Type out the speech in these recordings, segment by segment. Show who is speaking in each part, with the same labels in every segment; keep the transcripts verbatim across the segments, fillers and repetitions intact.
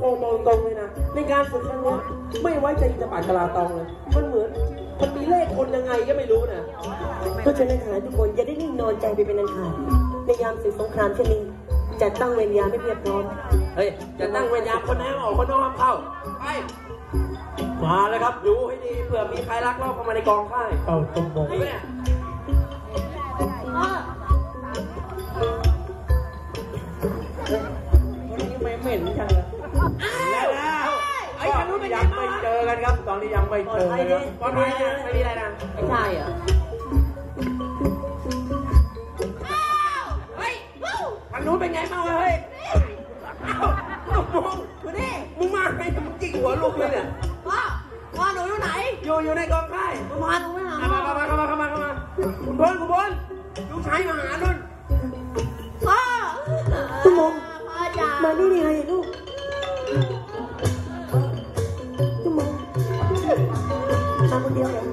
Speaker 1: บอกบอกตรงเลยนะในการฝึกครั้งนี้ไม่ไว้ใจจะปาดกะลาตองเลยมันเหมือนมันมีเลขคนยังไงก็ไม่รู้นะ
Speaker 2: เพราะฉะนั้นทหารทุกคนอย่าได้นิ่งนอนใจไปเป็นอันขาดในยามศึกสงครามเช่นนี้จัดตั้งเวรยามไม่เพียบพร้อม
Speaker 1: เฮ้ยจะตั้งเวรยามคนไหนออกคนนอกห้ามเข้าไปมาเลยครับดูให้ดีเผื่อมีใครลักลอบเข้ามาในกองค่ายเอาตรงมงเนี่ยวันนี้ไม่เหม็นจังเลยแล้วแล้วไอ้คนนู้นยังไม่เจอกันครับตอนนี้ยังไม่เจอกันครับตอนนี้ไม่มีอะไรนะไม่ใช่เหรอเฮ้ยทางนู้นเป็นไงบ้างเฮ้ยมองดูนี่มึงมาไงมึงจิกหัวลูกเลยเนี่ยพ่อพ่อหนูอยู่ไหนอยู่อยู่ในกองค่ายพ่อหนูไม่หาเข้ามาเข้ามาเข้ามาเข้ามาคุณพลคุณพลลูกชายมาหานุ่นพ่อ
Speaker 2: ตุ้มมงมานี่ได้ไงลูกตุ้มมงมาคนเดียวเหรอ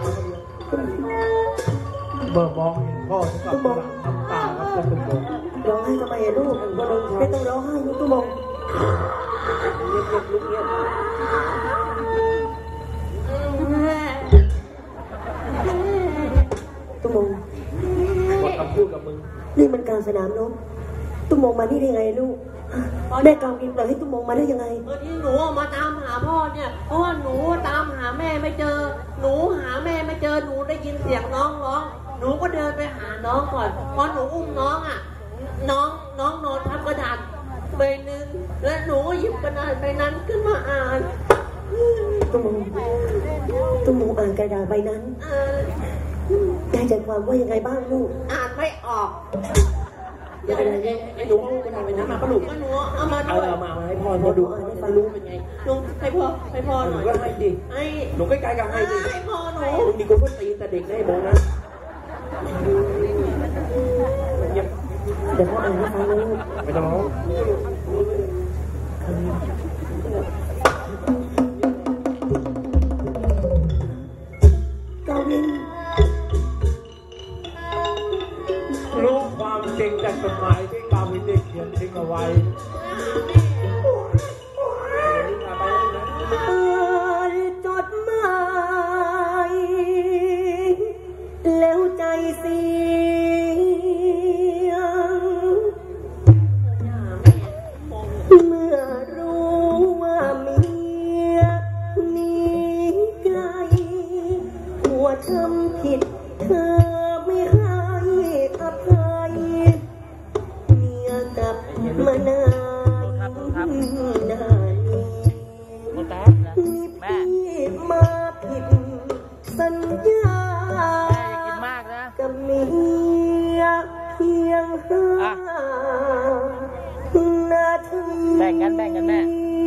Speaker 1: เบอร์มองเห็นพ่อตุ้มมงน้ำตาครับตุ้มมง
Speaker 2: ร้องไห้ทำไมลูกไม่ต้องร้องไห้ลูกตุ้มมง
Speaker 1: เงียบเงียบลูกเงียบ
Speaker 2: ตุ้มมง
Speaker 1: บอกคำพูดกับมึง
Speaker 2: นี่มันการสนามรบตุ้มมงมานี่ได้ไงลูกแม่กำกินปล่อยให้ตุ้มมงมาได้ยังไง
Speaker 3: เออที่หนูมาตามหาพ่อเนี่ยเพราะว่าหนูตามหาแม่ไม่เจอหนูหาแม่ไม่เจอหนูได้ยินเสียงน้องร้องหนูก็เดินไปหาน้องก่อนพอหนูอุ้มน้องอ่ะน้องน้องนอนทับกระดาษใบหนึ่งและหนูก็หยิบกระดาษใบนั้นขึ้นมาอ่าน
Speaker 2: ตุ้มมงตุ้มมงอ่านกระดาษใบนั้นได้ใจความว่ายังไงบ้างลูก
Speaker 3: อ่านไม่ออก
Speaker 1: อย่าเป็นไรไอ้หนูเอากระดาษใบนั้นมาปะลูก
Speaker 3: หนูเอามา
Speaker 1: เอาเอามาให้พ่อพ่อดูให้ฟังรู้เป็นไง
Speaker 3: หนูให้พ่อให้พ่อหน่อย
Speaker 1: ก็ให้ดิ
Speaker 3: ให้
Speaker 1: หนูใกล้ๆกับให้ดิ
Speaker 3: ให้พ่อหนู
Speaker 1: มึงดีกว่าตีแต่เด็กได้บอกนะ
Speaker 2: เดี๋ยวพ่ออ่านให้ฟังลูก
Speaker 1: ไม่ต้องร้อง
Speaker 2: กาวิน
Speaker 1: รู้ความจริงจากจดหมายที่กาวินได้เขียนทิ้งเอาไว้
Speaker 2: จดหมายแล้วใจเสียเมื่อรู้ว่าเมียหนีไกลหัวทำผิดเธอไม่ให้อภัยเมียกลับมานานนานนี่พี่มาผิดสัญญากับเมียเพียงห้านาที
Speaker 4: แบ่งกันแบ่งกันแม่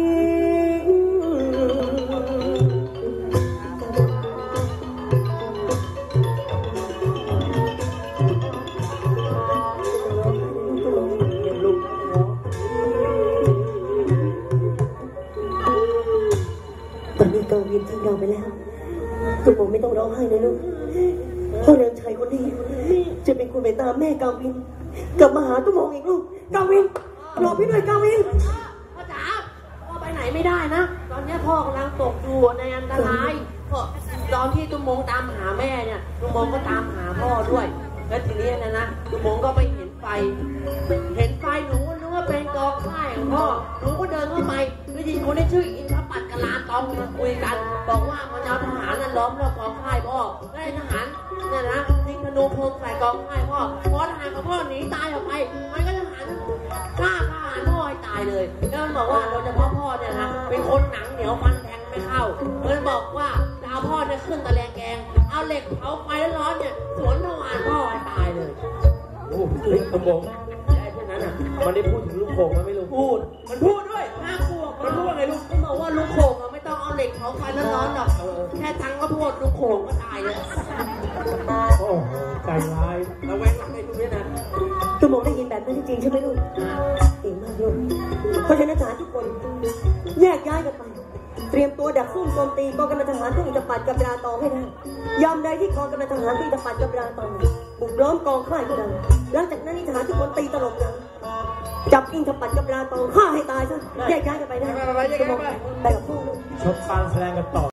Speaker 2: ตอนนี้กาวินทิ้งเราไปแล้วตุ้มมงไม่ต้องร้องไห้นะลูกพ่อเลี้ยงชายคนนี้จะเป็นคนไปตามแม่กาวินกลับมาหาตุ้มมงอีกลูกกาวินรอพี่หน่อยกาวิน
Speaker 3: พ่อจ๋าพ่อไปไหนไม่ได้นะตอนนี้พ่อกำลังตกอยู่ในอันตรายเพราะตอนที่ตุ้มมงตามหาแม่เนี่ยตุ้มมงก็ตามหาพ่อด้วยแล้วทีนี้นะนะตุ้มมงก็ไปเห็นไฟเห็นไฟหนูนึกว่าเป็นกองไฟของพ่อหนูก็เดินเข้าไปได้ยินคนที่ชื่ออินทปัตกะลาตองมาคุยกันบอกว่ามันเอาทหารนั้นล้อมรอบกองค่ายพ่อได้ทหารเนี่ยนะยิงธนูเพลิงใส่กองค่ายพ่อพอทหารของพ่อหนีตายออกไปมันก็ทหารฆ่าทหารพ่อให้ตายเลยแล้วมันบอกว่าโดยเฉพาะพ่อเนี่ยนะเป็นคนหนังเหนียวฟันแทงไม่เข้ามันบอกว่าจะเอาพ่อเนี่ยขึ้นตะแลงแกงเอาเหล็กเผาไฟร้อนเนี่ยสวนทหารพ่อให้ตายเลย
Speaker 1: โอ้เฮ้ยกระบอกไอ้พวกนั้นอ่ะมันได้พูดถึงลูกโป่งมันไม่รู้พูดมันพูดด้วย
Speaker 3: น่ากลัวมันพูดว่าไงลูกมันบอกว่าลูกโป่งอ่ะไม่ต้องเอาเหล็กเผาไฟร้อนๆหรอกแค่ทั้งก็พูดลูกโป่งก็ตายเลย
Speaker 1: โอ้ใจร้ายเราแวงหลังไอ้พวกนี้นะ
Speaker 2: ตุ้มมงได้ยินแบบนั้นจริงใช่ไหมลูกเก่งมากลูกเพราะฉะนั้นทหารทุกคนแยกย้ายกันไปเตรียมตัวดักซุ่มโจมตีกองกำลังทหารที่อินทปัตกับราตองให้ได้ยามใดที่กองกำลังทหารที่อินทปัตกับราตองบุกล้อมกองค่ายของเราหลังจากนั้นทหารทุกคนตีตลบกันจับอิงทปัดกับลาตองฆ่าให้ตายซะแยกย้ายกันไปนะ
Speaker 1: ไปไปไปแยกย้ายไป
Speaker 2: ไปกับพ่อ
Speaker 4: ชมการแสดงกันต่อ